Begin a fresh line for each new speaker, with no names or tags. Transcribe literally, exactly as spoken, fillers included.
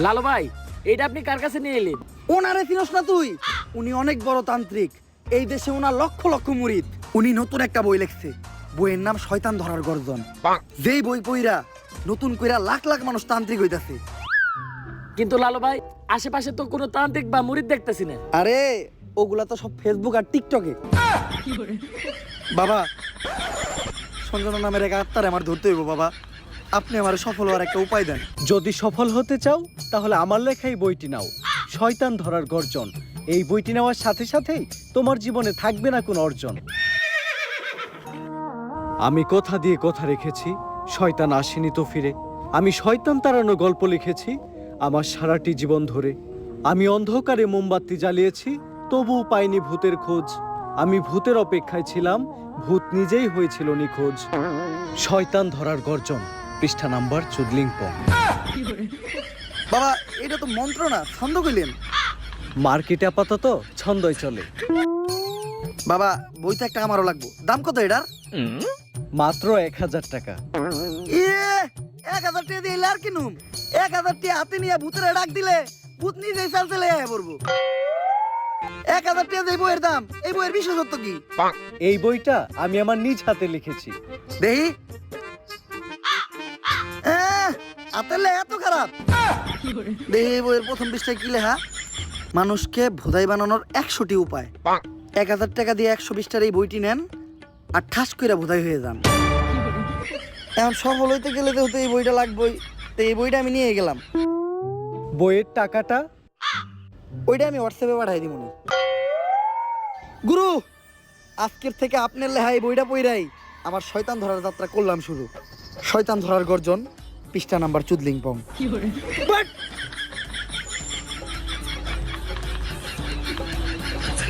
লালু ভাই, এটা আপনি কার কাছে নিয়ে এলেন?
ওনারে চিনস না তুই? উনি অনেক বড় তান্ত্রিক। এই দেশে ওনার লক্ষ লক্ষ মুরিদ। উনি নতুন একটা বই লিখছে। বইয়ের নাম শয়তান ধরার গর্জন। যেই বই পইরা নতুন কইরা লাখ লাখ মানুষ তান্ত্রিক হইতাছে।
কিন্তু লালু ভাই, আশেপাশে তো কোনো তান্ত্রিক বা মুরিদ দেখতেছি না।
আরে ওগুলা তো সব ফেসবুক আর টিকটকে। বাবা, সঞ্জনা নামের এক আত্মারে আমার ধরতে হইব বাবা। আপনি আমার সফল হওয়ার একটা উপায় দেন।
যদি সফল হতে চাও তাহলে আমার লেখাই বইটি নাও, শয়তান ধরার গর্জন। এই বইটি নেওয়ার সাথে সাথেই তোমার জীবনে থাকবে না কোনো অর্জন। আমি কথা দিয়ে কথা রেখেছি, শয়তান আসেনি তো ফিরে। আমি শয়তান তাড়ানো গল্প লিখেছি আমার সারাটি জীবন ধরে। আমি অন্ধকারে মোমবাতি জ্বালিয়েছি, তবুও পাইনি ভূতের খোঁজ। আমি ভূতের অপেক্ষায় ছিলাম, ভূত নিজেই হয়েছিল নিখোঁজ। শয়তান ধরার গর্জন, পৃষ্ঠা নাম্বার চুদলিংপং।
বাবা, এটা তো মন্ত্র না, ছন্দ কইলেন।
মার্কেটে আপাতত ছন্দই চলে।
বাবা, বইটা একটা আমারও লাগবো। দাম কত এটার?
মাত্র এক হাজার টাকা।
ইয়ে, এক হাজার টাকা দিয়ে আর কিনুম? এক হাজার টাকা হাতে নিয়ে ভূতের ডাক দিলে ভূত নিজেই চাল চলে আয় পড়বো। এক হাজার টাকা দিয়ে বইয়ের দাম, এই বইয়ের বিশেষত্ব কি?
এই বইটা আমি আমার নিজ হাতে লিখেছি।
দেহি হাতের লেখা এত খারাপ? দেহি এই বইয়ের প্রথম পৃষ্ঠায় কি লেখা? মানুষকে ভোদাই বানানোর একশোটি উপায়। এক হাজার টাকা দিয়ে একশো বিশটার এই বইটি নেন আর ঠাস করে ভোদাই হয়ে যান। এখন সফল হইতে গেলে তো এই বইটা লাগবেই। তো এই বইটা আমি নিয়ে গেলাম।
বইয়ের টাকাটা?
ওইটা আমি হোয়াটসঅ্যাপে পাঠাই দিব। গুরু, আজকের থেকে আপনার লেখা এই বইটা পইরাই আমার শয়তান ধরার যাত্রা করলাম শুরু। শয়তান ধরার গর্জন, পৃষ্ঠা নাম্বার চুদলিংপং। বাট